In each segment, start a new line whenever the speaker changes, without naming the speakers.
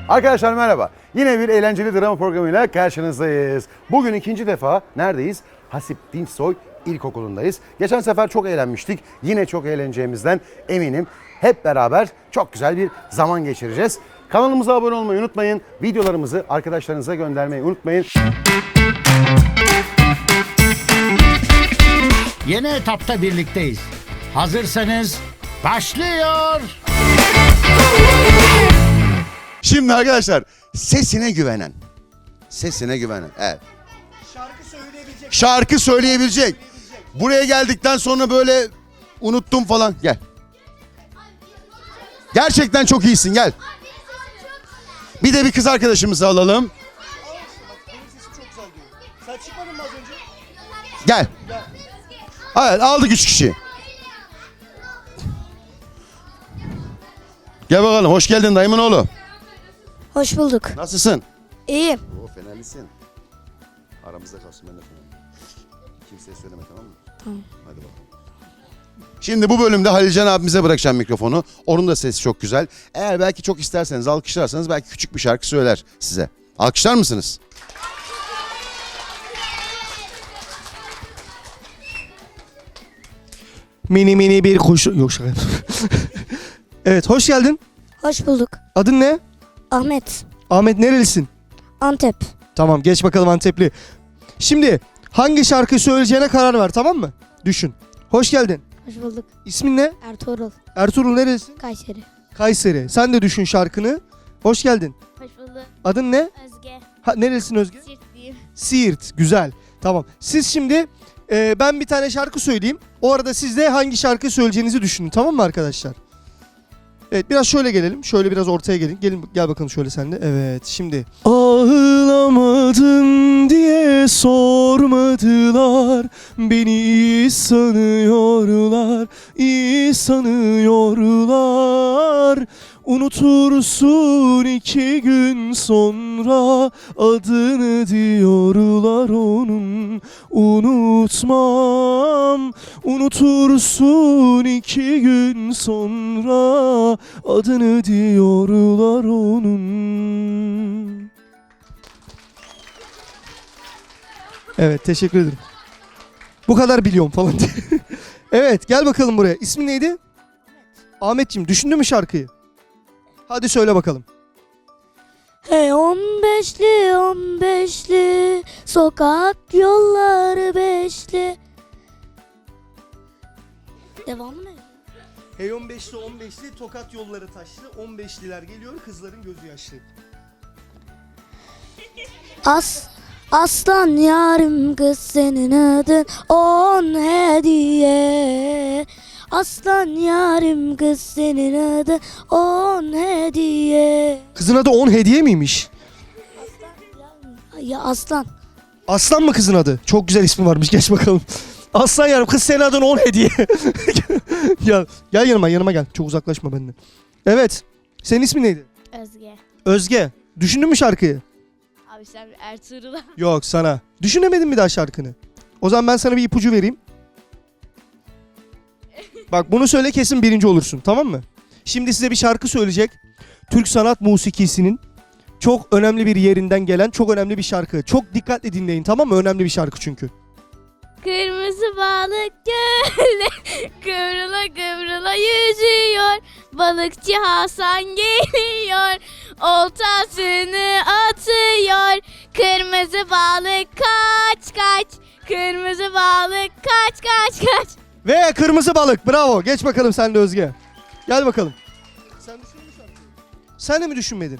Arkadaşlar merhaba. Yine bir eğlenceli drama programıyla karşınızdayız. Bugün ikinci defa neredeyiz? Hasip Dinçsoy İlkokulu'ndayız. Geçen sefer çok eğlenmiştik. Yine çok eğleneceğimizden eminim. Hep beraber çok güzel bir zaman geçireceğiz. Kanalımıza abone olmayı unutmayın. Videolarımızı arkadaşlarınıza göndermeyi unutmayın.
Yeni etapta birlikteyiz. Hazırsanız başlıyor.
Şimdi arkadaşlar sesine güvenen. Evet. Şarkı söyleyebilecek. Buraya geldikten sonra böyle unuttum falan. Gel. Gerçekten çok iyisin, gel. Bir de bir kız arkadaşımızı alalım.
Sen çıkmadın mı az önce?
Gel. Evet, aldık 3 kişi. Gel bakalım, hoş geldin dayımın oğlu.
Hoş bulduk.
Nasılsın?
İyiyim.
Oo, fenerlisin. Aramızda kalsın, ben de fenerliyim. Kimseye söyleme, tamam mı?
Tamam.
Hadi bakalım. Şimdi bu bölümde Halilcan abimize bırakacağım mikrofonu. Onun da sesi çok güzel. Eğer belki çok isterseniz, alkışlarsanız belki küçük bir şarkı söyler size. Alkışlar mısınız?
Mini bir kuş... Yok şaka. Evet, hoş geldin.
Hoş bulduk.
Adın ne?
Ahmet.
Ahmet, nerelisin?
Antep.
Tamam, geç bakalım Antepli. Şimdi hangi şarkı söyleyeceğine karar ver, tamam mı? Düşün. Hoş geldin.
Hoş bulduk.
İsmin ne?
Ertuğrul.
Ertuğrul, nerelisin?
Kayseri.
Kayseri. Sen de düşün şarkını. Hoş geldin.
Hoş bulduk.
Adın ne?
Özge.
Nerelisin Özge?
Sirtliyim.
Siirt. Güzel. Tamam. Siz şimdi ben bir tane şarkı söyleyeyim. O arada siz de hangi şarkı söyleyeceğinizi düşünün, tamam mı arkadaşlar? Evet, biraz şöyle gelelim. Şöyle biraz ortaya gelin. Gel bakalım şöyle sen de. Evet, şimdi. Ağlamadın diye sormadılar. Beni iyi sanıyorlar. İyi sanıyorlar. Unutursun 2 gün sonra adını diyorlar onun. Unutmam. Unutursun 2 gün sonra adını diyorlar onun. Evet, teşekkür ederim. Bu kadar biliyorum falan diye. Evet, gel bakalım buraya. İsmin neydi? Ahmetciğim, düşündün mü şarkıyı? Hadi söyle bakalım.
Hey 15'li sokak yolları beşli. Devamı ne?
Hey 15'li tokat yolları taşlı. 15'liler geliyor, kızların gözü yaşlı.
Aslan yarim kız senin adın 10 hediye. Aslan yarim kız senin adın 10 hediye.
Kızın adı 10 hediye miymiş?
Ya aslan.
Aslan mı kızın adı? Çok güzel ismi varmış, geç bakalım. Aslan yarım, kız senin adın 10 hediye. Gel yanıma gel. Çok uzaklaşma benden. Evet. Senin ismin neydi?
Özge.
Özge. Düşündün mü şarkıyı?
Abi sen Ertuğrul'a.
Yok, sana. Düşünemedin mi daha şarkını? O zaman ben sana bir ipucu vereyim. Bak, bunu söyle, kesin birinci olursun, tamam mı? Şimdi size bir şarkı söyleyecek. Türk sanat musikisinin çok önemli bir yerinden gelen çok önemli bir şarkı. Çok dikkatli dinleyin, tamam mı? Önemli bir şarkı çünkü.
Kırmızı balık gölde kıvrıla kıvrıla yüzüyor. Balıkçı Hasan geliyor. Oltasını atıyor. Kırmızı balık kaç kaç. Kırmızı balık kaç kaç kaç.
Ve kırmızı balık, bravo. Geç bakalım sen de Özge. Gel bakalım. Sen düşündün mü şarkıyı? Sen de mi düşünmedin?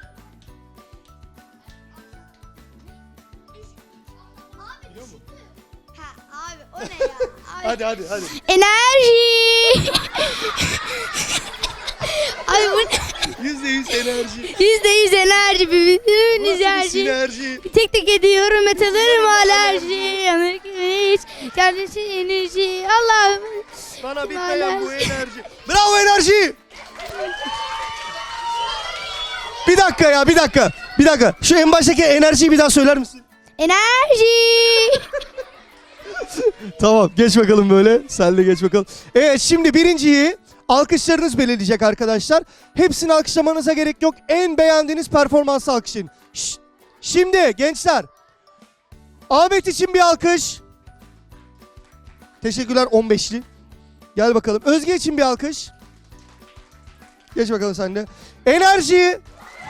Abi o ne ya?
Hadi.
Enerji. Abi bu
%100 enerji.
%100 enerji. Bütün enerji.
Sinerji.
Tek tek ediyorum metalarım alerji. Yanık hiç. Kendisi enerji. Allah'ım.
Bana bitmeyen bu enerji. Bravo enerji. Bir dakika. Şu en baştaki enerjiyi bir daha söyler misin?
Enerji.
Tamam, geç bakalım böyle. Sen de geç bakalım. Evet, şimdi birinciyi alkışlarınız belirleyecek arkadaşlar. Hepsini alkışlamanıza gerek yok. En beğendiğiniz performansı alkışlayın. Şimdi gençler, Ahmet için bir alkış. Teşekkürler 15'li. Gel bakalım. Özge için bir alkış. Geç bakalım sen de. Enerji.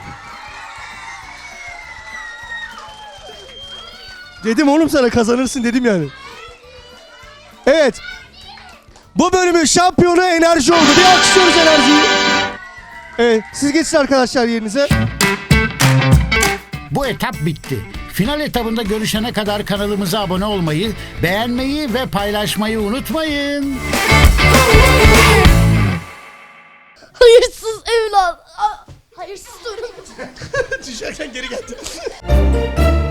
Dedim oğlum sana kazanırsın dedim yani. Evet. Bu bölümün şampiyonu Enerji oldu. Bir alkışlıyoruz Enerji'yi. Evet. Siz geçin arkadaşlar yerinize.
Bu etap bitti. Final etabında görüşene kadar kanalımıza abone olmayı, beğenmeyi ve paylaşmayı unutmayın.
Hayırsız evlat. Hayırsız torun.
Düşerken geri geldi.